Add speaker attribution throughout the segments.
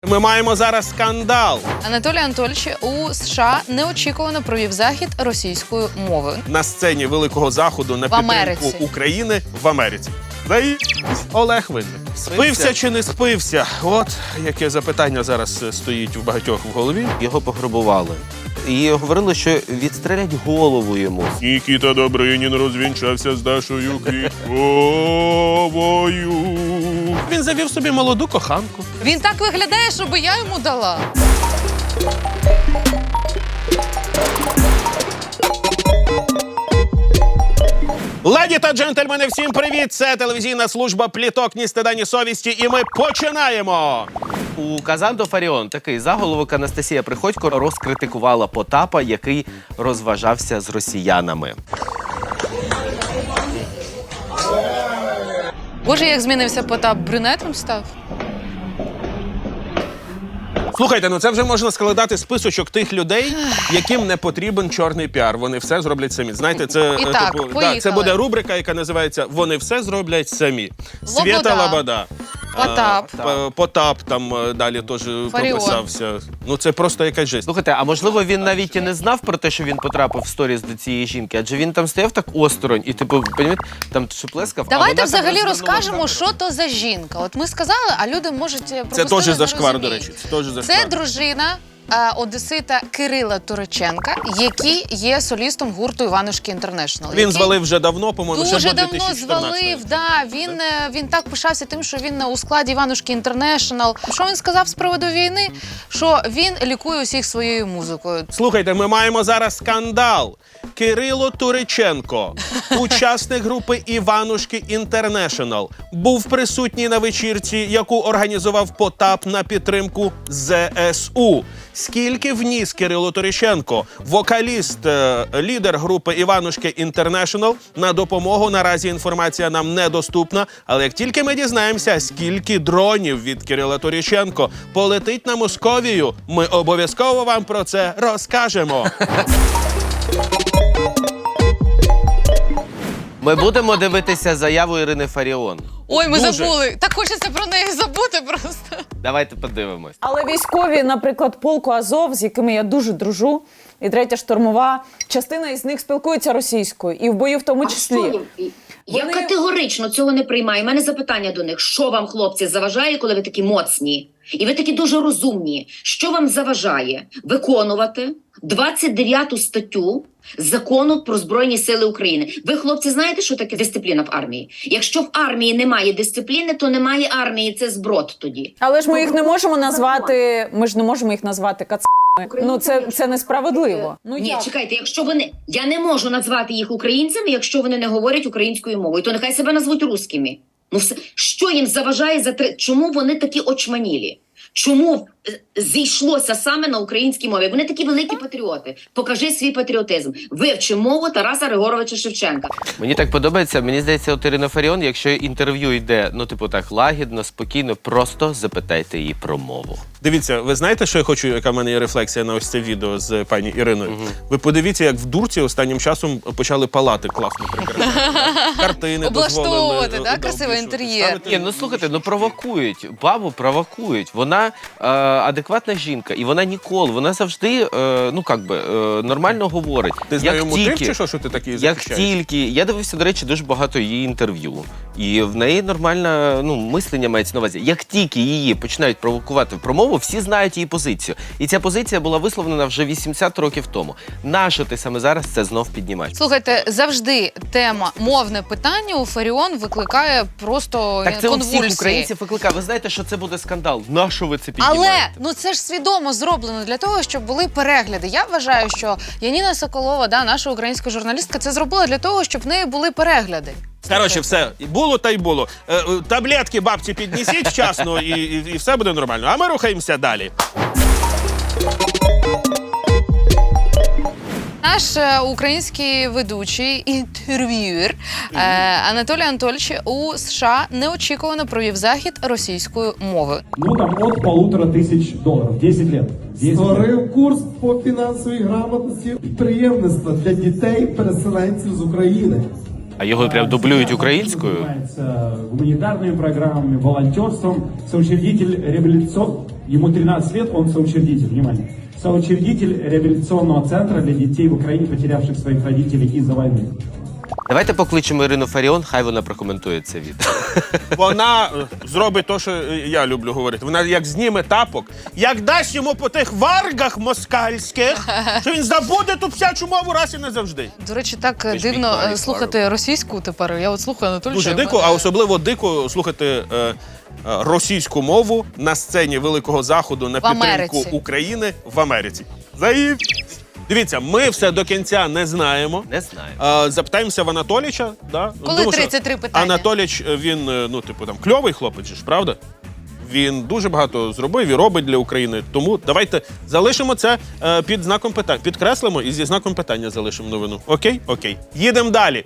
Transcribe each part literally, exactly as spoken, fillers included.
Speaker 1: Ми маємо зараз скандал.
Speaker 2: Анатолій Анатольович у США неочікувано провів захід російською мовою.
Speaker 1: На сцені Великого Заходу на
Speaker 2: В
Speaker 1: підтримку
Speaker 2: Америці.
Speaker 1: України в Америці. Заї... Олег Винник. Спився чи не спився? От яке запитання зараз стоїть у багатьох в голові.
Speaker 3: Його пограбували. І говорили, що відстрелять голову йому.
Speaker 1: Нікіта Добринін розвінчався з Дашою Квітковою. Він завів собі молоду коханку.
Speaker 2: Він так виглядає, щоб я йому дала.
Speaker 1: Леді та джентльмени, всім привіт! Це телевізійна служба «Пліток, ні стида, ні совісті» і ми починаємо!
Speaker 3: У Казанто Фаріон такий заголовок Анастасія Приходько розкритикувала Потапа, який розважався з росіянами.
Speaker 2: Боже, як змінився Потап, брюнетом став?
Speaker 1: Слухайте, ну це вже можна складати списочок тих людей, яким не потрібен чорний піар. Вони все зроблять самі. Знаєте, це,
Speaker 2: І так,
Speaker 1: типу,
Speaker 2: поїхали.
Speaker 1: да, це буде рубрика, яка називається «Вони все зроблять самі».
Speaker 2: Лобода.
Speaker 1: Свєта Лобода.
Speaker 2: Потап.
Speaker 1: А, П- Потап там е, далі теж прописався. Ну це просто якась жесть.
Speaker 3: Слухайте, а можливо він навіть і не знав про те, що він потрапив в сторіс до цієї жінки, адже він там стояв так осторонь і, типу, понімаєте, там шеплескав.
Speaker 2: Давайте
Speaker 3: а вона
Speaker 2: взагалі
Speaker 3: так
Speaker 2: розкажемо,
Speaker 3: розвернула
Speaker 2: що то за жінка. От ми сказали, а люди можуть
Speaker 1: Це
Speaker 2: пропустили,
Speaker 1: теж
Speaker 2: не
Speaker 1: зашквар, до
Speaker 2: розуміють.
Speaker 1: речі. Це теж зашквар.
Speaker 2: Це дружина е, одесита Кирила Туриченка, який є солістом гурту «Іванушки Інтернешнл».
Speaker 1: Він звалив вже давно, по-моєму, ще
Speaker 2: Дуже
Speaker 1: до
Speaker 2: давно
Speaker 1: дві тисячі чотирнадцятого.
Speaker 2: звалив, да. Він, е, він так пишався тим, що він у складі «Іванушки Інтернешнл». Що він сказав з приводу війни? Що він лікує усіх своєю музикою.
Speaker 1: Слухайте, ми маємо зараз скандал. Кирило Туриченко, учасник групи «Іванушки Інтернешнл», був присутній на вечірці, яку організував Потап на підтримку зе ес у. Скільки вніс Кирило Туриченко, вокаліст, е, лідер групи «Іванушки Інтернешнл», на допомогу наразі інформація нам недоступна, але як тільки ми дізнаємося, скільки дронів від Кирила Туриченко полетить на Московію, ми обов'язково вам про це розкажемо.
Speaker 3: Ми будемо дивитися заяву Ірини Фаріон.
Speaker 2: Ой, ми
Speaker 1: Дуже.
Speaker 2: забули. Так хочеться про неї забути просто.
Speaker 3: Давайте подивимось.
Speaker 4: Але військові, наприклад, полку Азов, з якими я дуже дружу, і третя штурмова, частина із них спілкується російською, і в бою в тому числі.
Speaker 5: А що? Я
Speaker 4: Вони-
Speaker 5: категорично цього не приймаю. У мене запитання до них. Що вам, хлопці, заважає, коли ви такі моцні? І ви такі дуже розумні. Що вам заважає виконувати двадцять дев'яту статтю Закону про Збройні Сили України? Ви, хлопці, знаєте, що таке дисципліна в армії? Якщо в армії немає дисципліни, то немає армії. Це зброд тоді.
Speaker 4: Але ж ми їх не можемо назвати, ми ж не можемо їх назвати кацами. Ну, це, це несправедливо. Ну,
Speaker 5: Ні,
Speaker 4: як?
Speaker 5: чекайте, якщо вони... Я не можу назвати їх українцями, якщо вони не говорять українською мовою, то нехай себе назвуть русскими. Ну, все. Що їм заважає за три... Чому вони такі очманілі? Чому е, зійшлося саме на українській мові? Вони такі великі патріоти. Покажи свій патріотизм. Вивчи мову Тараса Григоровича Шевченка.
Speaker 3: Мені так подобається, мені здається, от Ірина Фаріон, якщо інтерв'ю йде, ну, типу так, лагідно, спокійно, просто запитайте її про мову.
Speaker 1: Дивіться, ви знаєте, що я хочу, яка в мене є рефлексія на ось це відео з пані Іриною? Угу. Ви подивіться, як в Дурці останнім часом почали палати класно прикрашати. Картини
Speaker 2: Облаштовувати,
Speaker 1: дозволили.
Speaker 2: да,
Speaker 1: да,
Speaker 2: красивий
Speaker 1: обвішувати,
Speaker 2: інтер'єр.
Speaker 1: ставити.
Speaker 3: Ні, ну слухайте, ну провокують, бабу провокують. Вона е, адекватна жінка, і вона ніколи, вона завжди, е, ну, як би, е, нормально говорить.
Speaker 1: Ти з
Speaker 3: Як
Speaker 1: нею мутив
Speaker 3: тільки-
Speaker 1: чи що, що ти такий
Speaker 3: Як
Speaker 1: захищаєш?
Speaker 3: тільки, я дивився, до речі, дуже багато її інтерв'ю. І в неї нормальне, ну, мислення мається на увазі. Як тільки її починають провокувати в промову, всі знають її позицію. І ця позиція була висловлена вже вісімдесят років тому. Нащо ти саме зараз це знов піднімаєш?
Speaker 2: Слухайте, завжди тема мовне питання у Фаріон викликає просто
Speaker 3: Так це у
Speaker 2: конвульсії.
Speaker 3: всіх українців викликає. Ви знаєте, що це буде скандал. Нащо ви це піднімаєте?
Speaker 2: Але ну це ж свідомо зроблено для того, щоб були перегляди. Я вважаю, що Яніна Соколова, да, наша українська журналістка, це зробила для того, щоб в неї були перегляди.
Speaker 1: Коротше, все, було та й було. Е, е, таблетки бабці піднесіть вчасно і, і, і все буде нормально. А ми рухаємося далі.
Speaker 2: Наш е, український ведучий, інтерв'юер е, Анатолій Анатольович у США неочікувано провів захід російською мовою.
Speaker 6: Ну, там от полутора тисяч доларів. десять лет. десять лет.
Speaker 7: Створив курс по фінансовій грамотності підприємництва для дітей-переселенців з України.
Speaker 3: А його прям дублюють українською?
Speaker 6: Занимается гуманитарными программами, волонтерством, соучредитель реабилитационного Ему тринадцать лет, он соучредитель, внимание, соучредитель реабилитационного центра для детей в Украине, потерявших своих родителей из-за войны.
Speaker 3: Давайте покличемо Ірину Фаріон, хай вона прокоментує це відео.
Speaker 1: Вона е, зробить те, що е, я люблю говорити. Вона як зніме тапок, як дасть йому по тих варгах москальських, що він забуде ту псячу мову раз і назавжди.
Speaker 2: До речі, так
Speaker 3: Візьміть
Speaker 2: дивно е,
Speaker 3: Марі
Speaker 2: слухати російську тепер. Я от слухаю Анатолія.
Speaker 1: Дуже дико, а особливо дико слухати е, е, російську мову на сцені Великого Заходу на
Speaker 2: В
Speaker 1: підтримку
Speaker 2: Америці.
Speaker 1: України в Америці. Заїв. Дивіться, ми все до кінця не знаємо.
Speaker 3: Не знаю.
Speaker 1: Е, Запитаємося в Анатоліча. Да?
Speaker 2: Коли
Speaker 1: Тому що
Speaker 2: тридцять три питання?
Speaker 1: Анатоліч, е, він, е, ну, типу, там, кльовий хлопець, же ж, правда? Він дуже багато зробив і робить для України. Тому давайте залишимо це е, під знаком питання. Підкреслимо і зі знаком питання залишимо новину. Окей? Окей. Їдемо далі.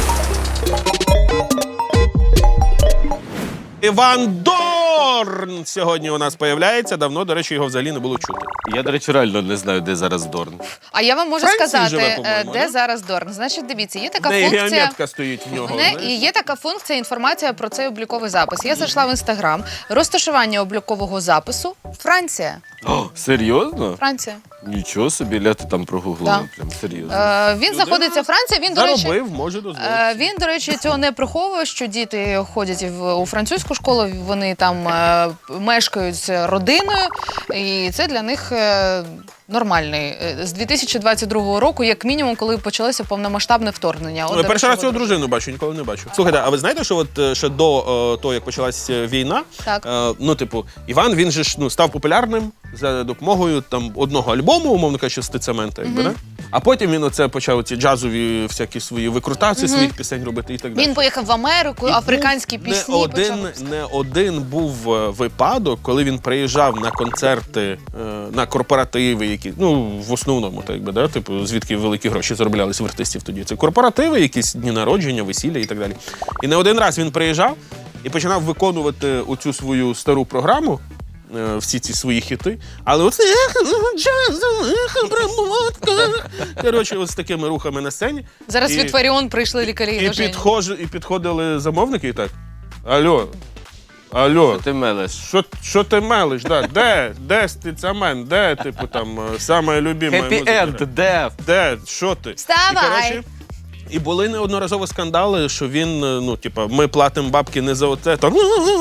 Speaker 1: Іван Дорн сьогодні у нас появляється. Давно, до речі, його взагалі не було чути.
Speaker 3: Я, до речі, реально не знаю, де зараз Дорн.
Speaker 2: А я вам можу
Speaker 1: Франції
Speaker 2: сказати,
Speaker 1: живе,
Speaker 2: е,
Speaker 1: по-моєму,
Speaker 2: де
Speaker 1: да?
Speaker 2: зараз Дорн. Значить, дивіться, є така
Speaker 1: В неї
Speaker 2: функція.
Speaker 1: геометка стоїть в нього.
Speaker 2: Не,
Speaker 1: знаєш?
Speaker 2: і є така функція інформація про цей обліковий запис. Я зайшла в інстаграм. Розташування облікового запису Франція.
Speaker 3: О, серйозно?
Speaker 2: Франція.
Speaker 3: Нічого собі, ля ти там прогуглила.
Speaker 2: Да.
Speaker 3: Прям серйозно.
Speaker 2: Е, він знаходиться Франція. Він, до речі,
Speaker 1: Заробив, може дозволити.
Speaker 2: Е, Він, до речі, цього не приховує, що діти ходять в, у французьку школу, вони там е, мешкають з родиною, і це для них е, нормальний. Е, З дві тисячі двадцять другого року, як мінімум, коли почалося повномасштабне вторгнення. От,
Speaker 1: Ну,
Speaker 2: до
Speaker 1: я перший
Speaker 2: речі,
Speaker 1: раз цю
Speaker 2: от-
Speaker 1: дружину бачу, ніколи не бачу. Слухайте, а ви знаєте, що от е, ще до е, того, як почалась е, війна,
Speaker 2: Так.
Speaker 1: е, ну, типу, Іван, він же ж ну, став популярним за допомогою там одного альбому, умовно кажучи, стицемента, якби, да? А потім він оце почав ці джазові всякі свої викрутації своїх пісень робити і так далі.
Speaker 2: Він поїхав в Америку,
Speaker 1: І
Speaker 2: африканські
Speaker 1: був
Speaker 2: пісні
Speaker 1: Не один,
Speaker 2: почав.
Speaker 1: не один був е, випадок, коли він приїжджав на концерти, е, на корпоративи, які, ну, в основному, так би, да, типу, звідки великі гроші зароблялись в артистів тоді. Це корпоративи, якісь дні народження, весілля і так далі. І не один раз він приїжджав і починав виконувати оцю свою стару програму, е, всі ці свої хіти, але оце джазова обработка. Коротше, ось з такими рухами на сцені.
Speaker 2: Зараз
Speaker 1: І-
Speaker 2: від Фаріон прийшли лікарі.
Speaker 1: і,
Speaker 2: до Жені.
Speaker 1: підхож, і підходили замовники і так. Алло, алло,
Speaker 3: Ти мелеш.
Speaker 1: що, що ти мелиш? Да? Де? Де стицамен? Де, типу, там, е, саме любима
Speaker 3: Хеппі
Speaker 1: музика?
Speaker 3: енд, дев.
Speaker 1: Де? Що ти?
Speaker 2: Вставай!
Speaker 1: І, коротше, і були неодноразово скандали, що він, е, ну, типа, ми платимо бабки не за оце, там,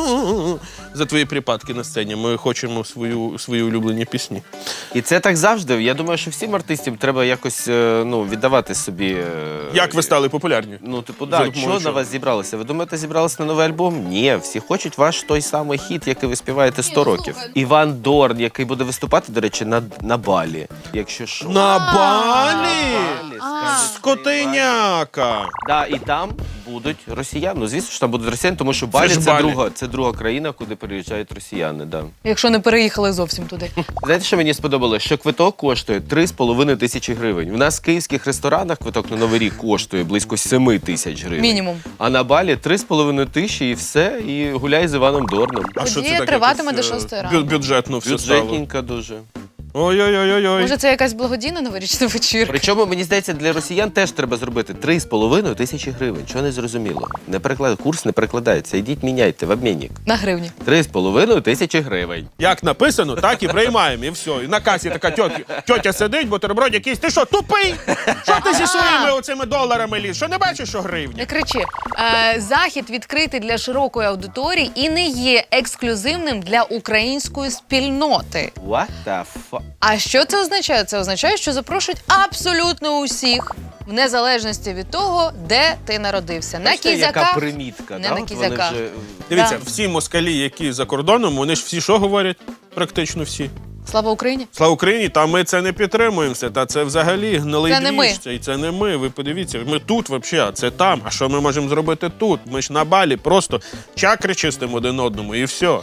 Speaker 1: за твої припадки на сцені. Ми хочемо свою, свої улюблені пісні.
Speaker 3: І це так завжди. Я думаю, що всім артистам треба якось е, ну, віддавати собі. е,
Speaker 1: Як ви стали популярні?
Speaker 3: Ну, типу,
Speaker 1: За
Speaker 3: да,
Speaker 1: допомогою
Speaker 3: що на
Speaker 1: чого?
Speaker 3: вас зібралося? Ви думаєте, зібралися на новий альбом? Ні, всі хочуть ваш той самий хіт, який ви співаєте сто
Speaker 2: ну,
Speaker 3: років.
Speaker 2: слухай.
Speaker 3: Іван Дорн, який буде виступати, до речі, на, на Балі. Якщо що.
Speaker 1: На Балі!
Speaker 3: Балі, скажуть,
Speaker 1: Скотиняка!
Speaker 3: Да, і там будуть росіяни. Ну, звісно, що там будуть росіяни, тому що
Speaker 1: Це
Speaker 3: Балі
Speaker 1: ж
Speaker 3: це,
Speaker 1: Балі.
Speaker 3: друга, це друга країна, куди переїжджають росіяни. Да.
Speaker 2: Якщо не переїхали зовсім туди.
Speaker 3: Знаєте, що мені сподобалось? Що квиток коштує три з половиною тисячі гривень. У нас в київських ресторанах квиток на Новий рік коштує близько семи тисяч гривень.
Speaker 2: Мінімум.
Speaker 3: А на Балі три з половиною тисячі і все, і гуляй з Іваном Дорном.
Speaker 1: А що це
Speaker 2: Подія
Speaker 1: таке?
Speaker 2: триватиме
Speaker 1: Якось,
Speaker 2: до
Speaker 1: е,
Speaker 2: шостої
Speaker 1: бю-
Speaker 2: ранку.
Speaker 1: Бюджетно все стало.
Speaker 3: Бюджетненько дуже.
Speaker 1: Ой-ой-ой-ой.
Speaker 2: Може, це якась благодійна новорічна вечірка?
Speaker 3: Причому, мені здається, для росіян теж треба зробити три з половиною тисячі гривень. Чого не зрозуміло? Не переклад... Курс не перекладається. Йдіть, міняйте в обмінник.
Speaker 2: На гривні.
Speaker 3: Три з половиною тисячі гривень.
Speaker 1: Як написано, так і приймаємо, і все. І на касі така тьотя, тьотя сидить, бутерброд якийсь. Ти що, тупий? Що ти зі своїми оцими доларами ліз? Що не бачиш, що гривня?
Speaker 2: Не кричи. Е, захід відкритий для широкої аудиторії і не є ексклюзивним для української спільноти.
Speaker 3: What the fuck?
Speaker 2: А що це означає? Це означає, що запрошують абсолютно усіх, в незалежності від того, де ти народився. На
Speaker 3: Бачите, яка
Speaker 2: кізяках,
Speaker 3: примітка,
Speaker 2: не
Speaker 3: да?
Speaker 2: на
Speaker 3: От вони
Speaker 2: кізяках.
Speaker 3: вже...
Speaker 1: Дивіться,
Speaker 2: Да.
Speaker 1: всі москалі, які за кордоном, вони ж всі що говорять? Практично всі.
Speaker 2: Слава Україні!
Speaker 1: Слава Україні, та ми це не підтримуємося. Та це взагалі гнилий
Speaker 2: Це не ми.
Speaker 1: двіж, це, і це не ми. Ви подивіться, ми тут взагалі, а це там. А що ми можемо зробити тут? Ми ж на Балі просто чакри чистимо один одному і все.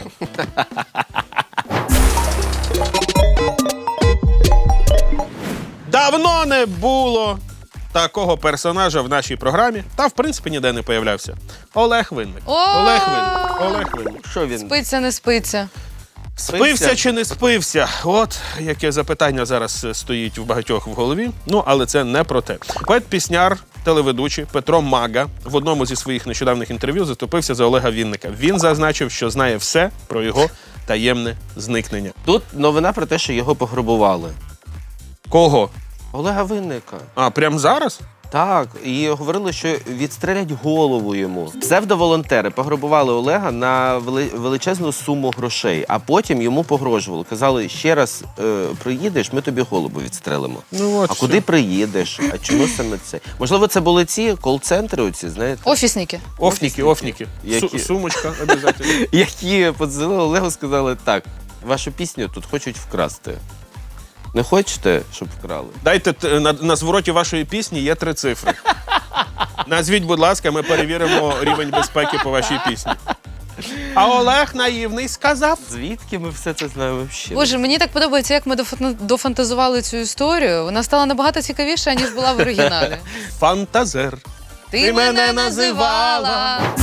Speaker 1: Давно не було такого персонажа в нашій програмі, та в принципі ніде не появлявся. Олег Винник.
Speaker 2: О!
Speaker 1: Олег Винник. Олег Винник.
Speaker 3: Що він?
Speaker 2: Спиться, не спиться.
Speaker 1: Спився чи не спився? От яке запитання зараз е, стоїть у багатьох в голові. Ну, але це не про те. Поет-пісняр, телеведучий Петро Мага в одному зі своїх нещодавних інтерв'ю заступився за Олега Вінника. Він зазначив, що знає все про його таємне зникнення.
Speaker 3: Тут новина про те, що його пограбували.
Speaker 1: Кого?
Speaker 3: Олега Винника.
Speaker 1: А, прямо зараз?
Speaker 3: Так, і говорили, що відстрелять голову йому. Псевдоволонтери пограбували Олега на вели- величезну суму грошей, а потім йому погрожували. Казали, ще раз е, приїдеш, ми тобі голову відстрелимо.
Speaker 1: Ну, от
Speaker 3: а
Speaker 1: все.
Speaker 3: куди приїдеш? А чому саме це? Можливо, це були ці кол-центри оці, знаєте?
Speaker 2: Офісники.
Speaker 1: Офніки, офніки.
Speaker 3: Які?
Speaker 1: Су- сумочка, обов'язково.
Speaker 3: Які подзвонили Олегу, сказали, так, вашу пісню тут хочуть вкрасти. Не хочете, щоб вкрали?
Speaker 1: Дайте т- на, на звороті вашої пісні є три цифри. Назвіть, будь ласка, ми перевіримо рівень безпеки по вашій пісні. А Олег наївний сказав.
Speaker 3: Звідки ми все це знаємо взагалі?
Speaker 2: Боже, мені так подобається, як ми дофан- дофантазували цю історію. Вона стала набагато цікавіша, ніж була в оригіналі.
Speaker 1: Фантазер.
Speaker 2: Ти,
Speaker 1: Ти мене
Speaker 2: мене
Speaker 1: називала.
Speaker 2: називала.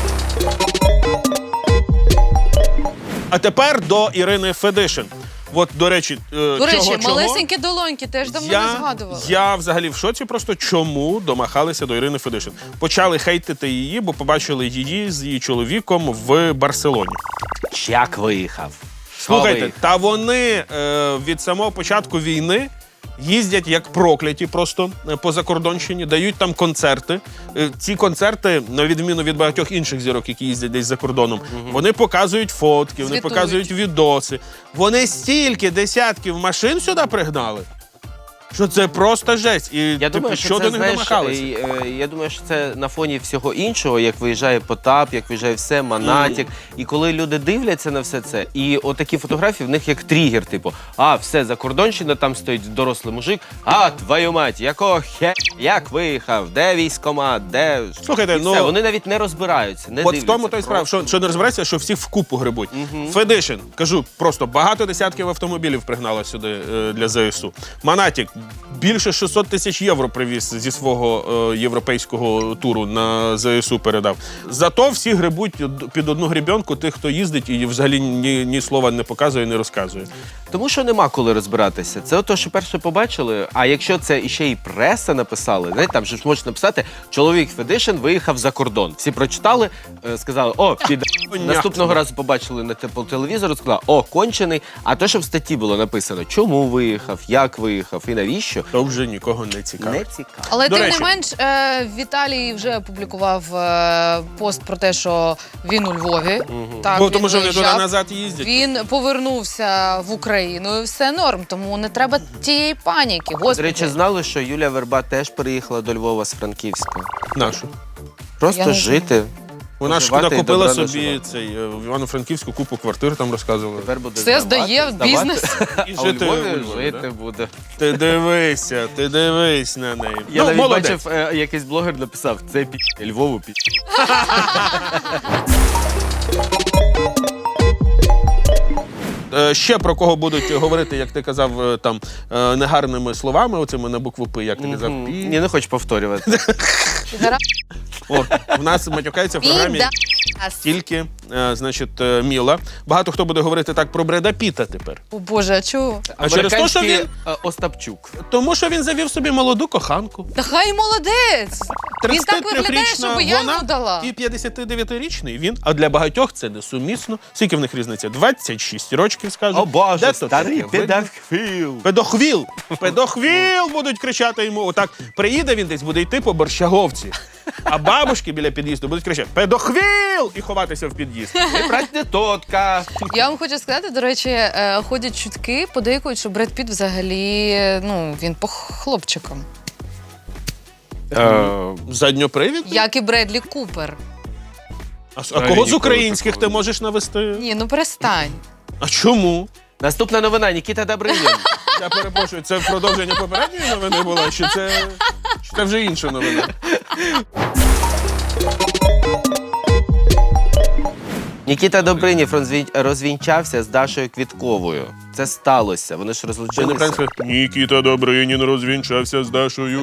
Speaker 1: А тепер до Ірини Федишин. От, до речі, е,
Speaker 2: До речі,
Speaker 1: чого, чого?
Speaker 2: малесенькі долоньки теж давно не
Speaker 1: Я,
Speaker 2: згадували.
Speaker 1: я взагалі в шоці просто, чому домахалися до Ірини Федишин. Почали хейтити її, бо побачили її з її чоловіком в Барселоні.
Speaker 3: Як виїхав?
Speaker 1: Слухайте,
Speaker 3: Виїхав.
Speaker 1: та вони е, від самого початку війни їздять як прокляті просто е, по закордонщині, дають там концерти. Е, ці концерти, на відміну від багатьох інших зірок, які їздять десь за кордоном, вони показують фотки, вони
Speaker 2: Звітують.
Speaker 1: показують відоси. Вони стільки десятків машин сюди пригнали, що це просто жесть. І
Speaker 3: Я
Speaker 1: типу,
Speaker 3: думаю, що
Speaker 1: що
Speaker 3: це,
Speaker 1: до них
Speaker 3: знаєш,
Speaker 1: домахалися?
Speaker 3: е, е, я думаю, що це на фоні всього іншого, як виїжджає Потап, як виїжджає все, Монатік. І коли люди дивляться на все це, і отакі фотографії в них як тригер, типу, а, все, закордонщина, там стоїть дорослий мужик, а, твою мать, якого хе, як виїхав, де військкомат, де...
Speaker 1: Слухайте,
Speaker 3: І
Speaker 1: ну,
Speaker 3: все, вони навіть не розбираються, не
Speaker 1: От в
Speaker 3: дивляться.
Speaker 1: тому той справа, що, що не розбереться, що всіх вкупу грибуть. Федишин, кажу, просто багато десятків автомобілів пригнала сюди е, для ЗСУ. Монатік більше шістсот тисяч євро привіз зі свого е, європейського туру на ЗСУ передав. Зато всі грибуть під одну грібенку тих, хто їздить і взагалі ні, ні слова не показує, не розказує.
Speaker 3: Тому що нема коли розбиратися. Це ото, що перше побачили, а якщо це іще і преса написали, знаєте, там же ж можна написати, чоловік Федишин виїхав за кордон. Всі прочитали, е, сказали, о, під... Наступного разу побачили на те- по телевізору, сказали, о, кончений. А то, що в статті було написано, чому виїхав, як виїхав і навіщо,
Speaker 1: То вже нікого не цікаво.
Speaker 3: не цікаво.
Speaker 2: Але
Speaker 1: До
Speaker 2: тим
Speaker 1: речі.
Speaker 2: не менш, е, Віталій вже опублікував е, пост про те, що він у Львові. Так,
Speaker 1: Бо
Speaker 2: він
Speaker 1: тому що вони
Speaker 2: виїжджав.
Speaker 1: туди-назад їздять.
Speaker 2: Він повернувся в Україну і все норм, тому не треба тієї паніки.
Speaker 3: До
Speaker 2: Господи.
Speaker 3: речі, знали, що Юлія Верба теж переїхала до Львова з Франківська.
Speaker 1: Нашу.
Speaker 3: Просто
Speaker 2: Я не
Speaker 3: жити.
Speaker 1: Вона ж
Speaker 3: Поживати і
Speaker 1: накупила
Speaker 3: добра
Speaker 1: собі
Speaker 3: наживати.
Speaker 1: цей е, в Івано-Франківську купу квартир, там розказували.
Speaker 3: Тепер буде
Speaker 2: Все
Speaker 3: здавати,
Speaker 2: здає в
Speaker 3: здавати,
Speaker 2: бізнес.
Speaker 1: І
Speaker 3: А у
Speaker 1: жити
Speaker 3: Львові
Speaker 1: у Львові,
Speaker 3: жити
Speaker 1: да?
Speaker 3: буде.
Speaker 1: Ти дивися, ти дивись на неї.
Speaker 3: Я
Speaker 1: Ну,
Speaker 3: навіть
Speaker 1: молодець.
Speaker 3: бачив, е, якийсь блогер написав, це пі... Львову пі...
Speaker 1: Е, Ще про кого будуть говорити, як ти казав, е, там е, негарними словами, оцими на букву П, як ти казав.
Speaker 3: Мгм.
Speaker 1: Пі.
Speaker 3: Я не хочу повторювати.
Speaker 1: О, в нас матюкається в програмі
Speaker 2: Піда.
Speaker 1: тільки, е, значить, е, Міла. Багато хто буде говорити так про Бреда Піта тепер.
Speaker 2: О Боже, а чого?
Speaker 1: А через те, що
Speaker 3: Американський,
Speaker 1: він,
Speaker 3: е, Остапчук.
Speaker 1: тому що він завів собі молоду коханку.
Speaker 2: Та хай молодець! Він так виглядає,
Speaker 1: тридцятитрирічна
Speaker 2: щоб я
Speaker 1: вона
Speaker 2: йому дала.
Speaker 1: і п'ятдесятидев'ятирічний він. А для багатьох це несумісно. Скільки в них різниця? двадцять шість років, скажуть.
Speaker 3: О Боже,
Speaker 1: Де то
Speaker 3: старий
Speaker 1: таке видно?
Speaker 3: педофіл.
Speaker 1: Педохвіл! Педохвіл будуть кричати йому. Отак приїде він десь, буде йти по Борщаговці. А бабушки біля під'їзду будуть кричати «Педохвіл!» і ховатися в під'їзд.
Speaker 3: Не брать не тотка.
Speaker 2: Я вам хочу сказати, до речі, е, ходять чутки, подейкують, що Бред Піт взагалі, ну, він по хлопчикам.
Speaker 1: Задньопривід?
Speaker 2: Як і Бредлі Купер.
Speaker 1: А, а кого з українських ти можеш навести?
Speaker 2: Ні, ну перестань.
Speaker 1: А чому?
Speaker 3: Наступна новина, Нікіта Добринін.
Speaker 1: Я перепрошую, це продовження попередньої новини була, чи це, чи це вже інша новина?
Speaker 3: Нікіта Добринів розвін- розвінчався з Дашою Квітковою. Це сталося, вони ж
Speaker 1: Це не
Speaker 3: розлучилися.
Speaker 1: правильно. Нікіта Добринін розвінчався з Дашою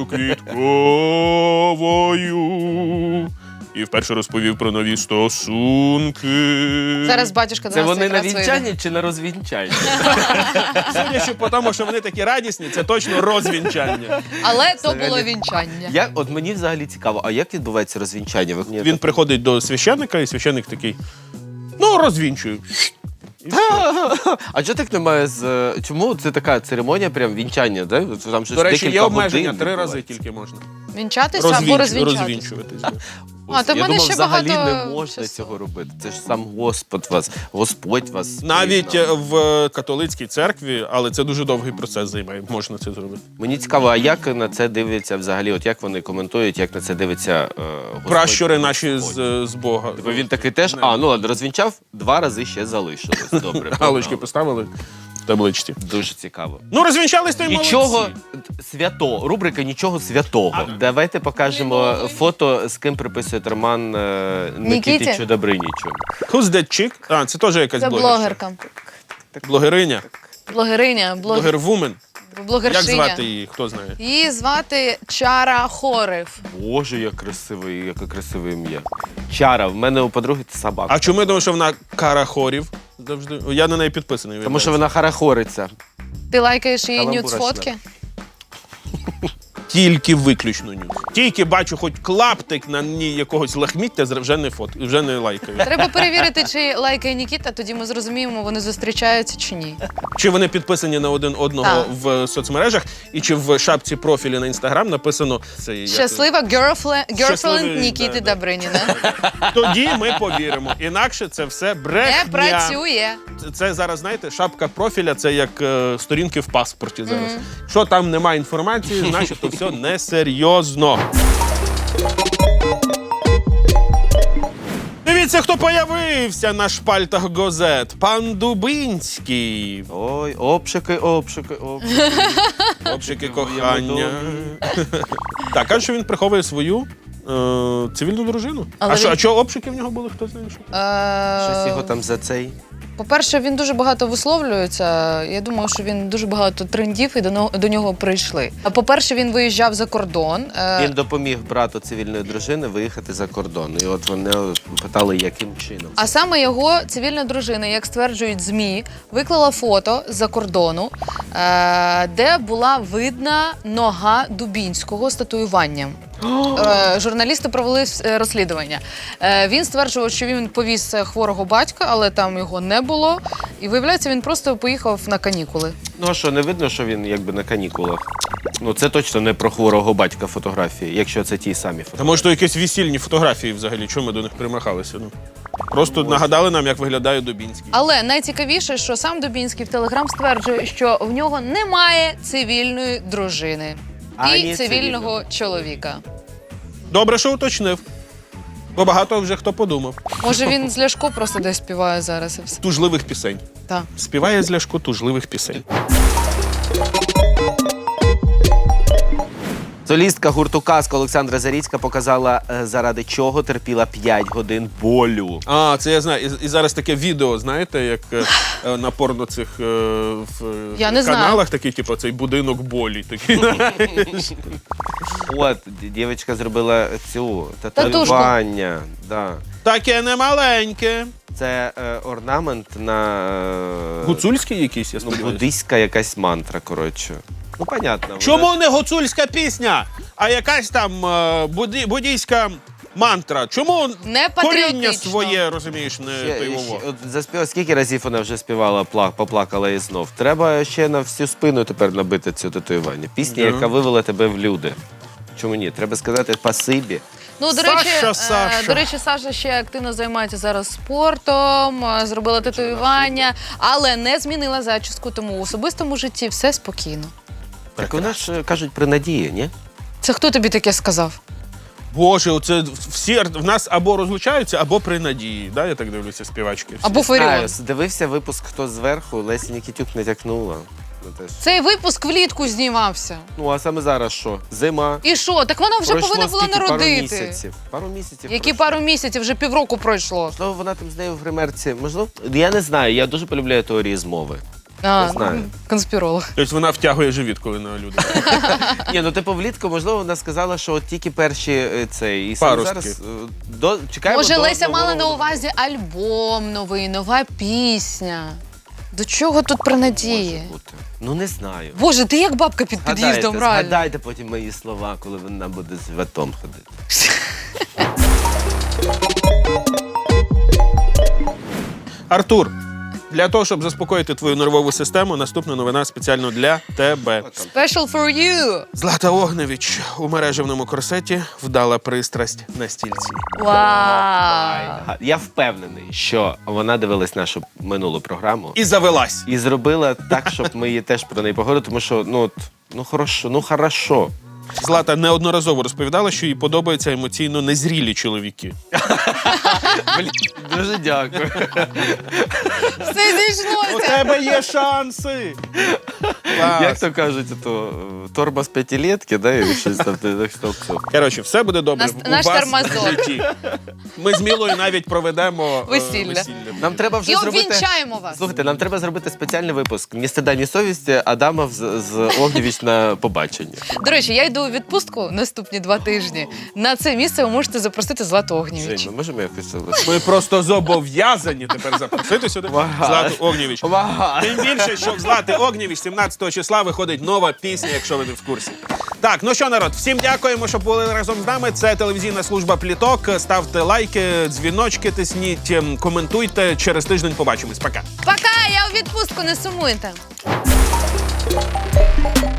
Speaker 1: Квітковою. І вперше розповів про нові стосунки.
Speaker 2: Зараз батюшка до
Speaker 3: Це
Speaker 2: нас
Speaker 3: вони на
Speaker 2: якраз вийде.
Speaker 3: вінчанні чи на розвінчанні?
Speaker 1: Судячи по тому, що вони такі радісні, це точно розвінчання.
Speaker 2: Але то
Speaker 3: Взагалі.
Speaker 2: було вінчання.
Speaker 3: Як, от мені взагалі цікаво, а як відбувається розвінчання? Ви-
Speaker 1: Він приходить до священника, і священник такий, ну, розвінчую. І все.
Speaker 3: А чого так немає з... е, Чому це така церемонія, прям вінчання, да? Там щось
Speaker 1: До речі, є
Speaker 3: декілька
Speaker 1: обмеження,
Speaker 3: годин
Speaker 1: три рази
Speaker 3: відбувається.
Speaker 1: тільки можна.
Speaker 2: Вінчатися або
Speaker 1: Розвінч-
Speaker 2: розвінчатися.
Speaker 1: Розвінчуватись. да.
Speaker 2: А, то в
Speaker 3: Я
Speaker 2: мене
Speaker 3: думав,
Speaker 2: ще
Speaker 3: взагалі
Speaker 2: багато
Speaker 3: не можна
Speaker 2: часу.
Speaker 3: цього робити. Це ж сам Господь вас, Господь вас.
Speaker 1: Навіть е,
Speaker 3: признав.
Speaker 1: в католицькій церкві, але це дуже довгий процес займає, можна це зробити.
Speaker 3: Мені цікаво, а як на це дивляться взагалі? От як вони коментують, як на це дивиться е, Господь?
Speaker 1: Пращури наші з,
Speaker 3: Господь?
Speaker 1: з Бога.
Speaker 3: Бо він такий теж, а, ну ладно, розвінчав, два рази ще залишилось. Добре.
Speaker 1: Галочки
Speaker 3: погнали.
Speaker 1: поставили в табличці.
Speaker 3: Дуже цікаво.
Speaker 1: Ну, розвінчались, то й
Speaker 3: Нічого
Speaker 1: молодці.
Speaker 3: свято, рубрика нічого святого. Давайте покажемо фото, з ким приписують роман е,
Speaker 2: Нікіті?
Speaker 3: Нікітичу Добринічу.
Speaker 1: Who's that chick? А, це теж якась
Speaker 2: Це
Speaker 1: блогерша.
Speaker 2: блогерка.
Speaker 1: Блогериня.
Speaker 2: Блогериня, блогер...
Speaker 1: Блогервумен. Як
Speaker 2: блогершиня.
Speaker 1: звати її, хто знає?
Speaker 2: Її звати Чара Хорев.
Speaker 3: Боже, як красивий, яке красиве ім'я. Чара, в мене у подруги це собака.
Speaker 1: А чому я думаю, що вона карахорів? Завжди. Я на неї підписаний.
Speaker 3: Тому що вона харахориться.
Speaker 2: Ти лайкаєш її
Speaker 3: Каламбура
Speaker 2: нюц-фотки?
Speaker 1: Тільки виключно нюц. Тільки бачу хоч клаптик на ній якогось лахміття, вже не фот, вже не лайкаю.
Speaker 2: Треба перевірити, чи лайкає Нікіта, тоді ми зрозуміємо, вони зустрічаються чи ні.
Speaker 1: Чи вони підписані на один одного
Speaker 2: Так.
Speaker 1: в соцмережах, і чи в шапці профілі на інстаграм написано це як-
Speaker 2: Щаслива girlfriend,
Speaker 1: Щасливий,
Speaker 2: girlfriend Нікіти
Speaker 1: да, да.
Speaker 2: Добриніна.
Speaker 1: Тоді ми повіримо. Інакше це все брехня.
Speaker 2: Не працює.
Speaker 1: Це, це зараз, знаєте, шапка профіля це як е, сторінки в паспорті зараз. Що там немає інформації, значить то все несерйозно. Дивіться, хто появився на шпальтах газет. Пан Дубинський.
Speaker 3: Ой, обшики, обшики, обшики.
Speaker 1: Общики кохання. Так, каже, що він приховує свою е, цивільну дружину.
Speaker 2: Але
Speaker 1: А що,
Speaker 2: він-
Speaker 1: а чого обшики в нього були? Хто знає що?
Speaker 3: Щось його
Speaker 2: Е,
Speaker 3: там за цей.
Speaker 2: По-перше, він дуже багато висловлюється. Я думаю, що він дуже багато трендів і до, но- до нього прийшли. А по-перше, він виїжджав за кордон. Е,
Speaker 3: Він допоміг брату цивільної дружини виїхати за кордон. І от вони питали, яким чином.
Speaker 2: А саме його цивільна дружина, як стверджують ЗМІ, виклала фото з-за кордону, е, де була видна нога Дубінського з татуюванням. Е, Журналісти провели е, розслідування. Е, Він стверджував, що він повіз е, хворого батька, але там його не було. І виявляється, він просто поїхав на канікули.
Speaker 3: Ну а що, не видно, що він якби на канікулах? Ну це точно не про хворого батька фотографії, якщо це ті самі
Speaker 1: Та
Speaker 3: фотографії.
Speaker 1: може то якісь весільні фотографії взагалі, чому ми до них примахалися? Ну просто нагадали нам, як виглядає Дубінський.
Speaker 2: Але найцікавіше, що сам Дубінський в Телеграм стверджує, що в нього немає цивільної дружини
Speaker 3: Ані
Speaker 2: і цивільного чоловіка.
Speaker 1: Добре, що уточнив. Бо багато вже хто подумав.
Speaker 2: Може, він з Ляшко просто десь співає зараз і все.
Speaker 1: Тужливих пісень.
Speaker 2: Так.
Speaker 1: Співає з Ляшко тужливих пісень.
Speaker 3: Солістка гурту «Казка» Олександра Заріцька показала, е, заради чого терпіла п'ять годин болю.
Speaker 1: А, це я знаю. І, і зараз таке відео, знаєте, як е, е, на порно цих е, в е,
Speaker 2: Я не знаю.
Speaker 1: каналах, такий, типу, цей будинок болі. Такий.
Speaker 3: От, д- дівчинка зробила цю татуювання. Да.
Speaker 1: Таке немаленьке.
Speaker 3: Це е, орнамент на е,
Speaker 1: Гуцульський якийсь, я
Speaker 3: ну,
Speaker 1: сподіваюся.
Speaker 3: буддийська якась мантра, коротше. Ну, понятно. вона-
Speaker 1: Чому не гуцульська пісня, а якась там е, буді, буддійська мантра? Чому
Speaker 2: Не
Speaker 1: коріння
Speaker 2: патріотично.
Speaker 1: своє, розумієш, не
Speaker 3: Ще-
Speaker 1: поймово?
Speaker 3: ще- от заспіва, скільки разів вона вже співала, пла- поплакала і знов. Треба ще на всю спину тепер набити цю татуювання. Пісня,
Speaker 1: Да.
Speaker 3: яка вивела тебе в люди. Чому ні? Треба сказати спасибі.
Speaker 2: Ну, до
Speaker 1: Саша,
Speaker 2: речі, е,
Speaker 1: Саша.
Speaker 2: до речі, Саша ще активно займається зараз спортом, е, зробила татуювання, але не змінила зачіску, тому в особистому житті все спокійно.
Speaker 3: Так вона ж е, кажуть при надії, ні?
Speaker 2: Це хто тобі таке сказав?
Speaker 1: Боже, оце всі ар- в нас або розлучаються, або при надії. Да, я так дивлюся, співачки. всі.
Speaker 2: Або Фаріон.
Speaker 3: Знаю, дивився випуск «Хто зверху», Лесі Нікітюк натякнула. Ну, теж.
Speaker 2: Цей випуск влітку знімався.
Speaker 3: Ну, а саме зараз що? Зима.
Speaker 2: І що? Так вона вже
Speaker 3: Пройшло
Speaker 2: повинна була
Speaker 3: скільки? Пару
Speaker 2: народити.
Speaker 3: місяців. Пару місяців.
Speaker 2: Які
Speaker 3: пройшло.
Speaker 2: пару місяців, вже півроку пройшло.
Speaker 3: Можливо, вона там з нею в гримерці. Можливо, я не знаю, я дуже полюбляю теорії змови.
Speaker 2: А,
Speaker 3: знаю.
Speaker 2: конспіролог.
Speaker 1: Тобто вона втягує живіт, коли на люди.
Speaker 3: Ні, ну типу влітку, можливо, вона сказала, що от тільки перші е, цей. І саме
Speaker 1: Паростки.
Speaker 3: зараз е, до, чекаємо
Speaker 2: Може,
Speaker 3: до
Speaker 2: Леся
Speaker 3: нового
Speaker 2: мала на
Speaker 3: року.
Speaker 2: увазі альбом новий, нова пісня. До чого тут про надії?
Speaker 3: Може бути. Ну не знаю.
Speaker 2: Боже, ти як бабка під
Speaker 3: Згадайте,
Speaker 2: під'їздом, реально.
Speaker 3: згадайте потім мої слова, коли вона буде з животом ходити.
Speaker 1: Артур, Для того, щоб заспокоїти твою нервову систему, наступна новина спеціально для тебе.
Speaker 2: Special for you!
Speaker 1: Злата Огневич у мережевному корсеті вдала пристрасть на стільці.
Speaker 2: Вау!
Speaker 3: Ага, я впевнений, що вона дивилась нашу минулу програму
Speaker 1: І завелась.
Speaker 3: і зробила так, щоб ми її теж про неї поговорили, тому що ну от, ну хорошо, ну хорошо.
Speaker 1: Злата неодноразово розповідала, що їй подобаються емоційно незрілі чоловіки.
Speaker 3: Блін, дуже дякую.
Speaker 2: Все
Speaker 1: У
Speaker 2: зійшлося!
Speaker 1: тебе є шанси! Клас.
Speaker 3: Як то кажуть, то е, торба з п'ятилетки, да, і щось там так що все.
Speaker 1: Коротше, все буде добре
Speaker 2: Нас-
Speaker 1: у
Speaker 2: наш
Speaker 1: вас
Speaker 2: тормозок.
Speaker 1: в житті. Ми з Мілою навіть проведемо е,
Speaker 2: Весілля.
Speaker 3: Нам треба вже
Speaker 2: І
Speaker 3: зробити.
Speaker 2: обвінчаємо вас!
Speaker 3: Слухайте, нам треба зробити спеціальний випуск «Ні стида, ні совісті» Адамов з, з Огнєвіч на побачення.
Speaker 2: До речі, я йду у відпустку наступні два тижні. На це місце ви можете запросити Злату Огнєвіч.
Speaker 3: Жень, ми можемо якось це
Speaker 1: Ми просто зобов'язані тепер запросити сюди
Speaker 3: Ага.
Speaker 1: Злату Огнєвіч.
Speaker 3: Ага.
Speaker 1: Тим більше, що в Злати Огнєвіч сімнадцятого числа виходить нова пісня, якщо ви не в курсі. Так, ну що, народ, всім дякуємо, що були разом з нами. Це телевізійна служба Пліток. Ставте лайки, дзвіночки тисніть, ем, коментуйте. Через тиждень побачимось. Пока.
Speaker 2: Пока! Я у відпустку, не сумуйте!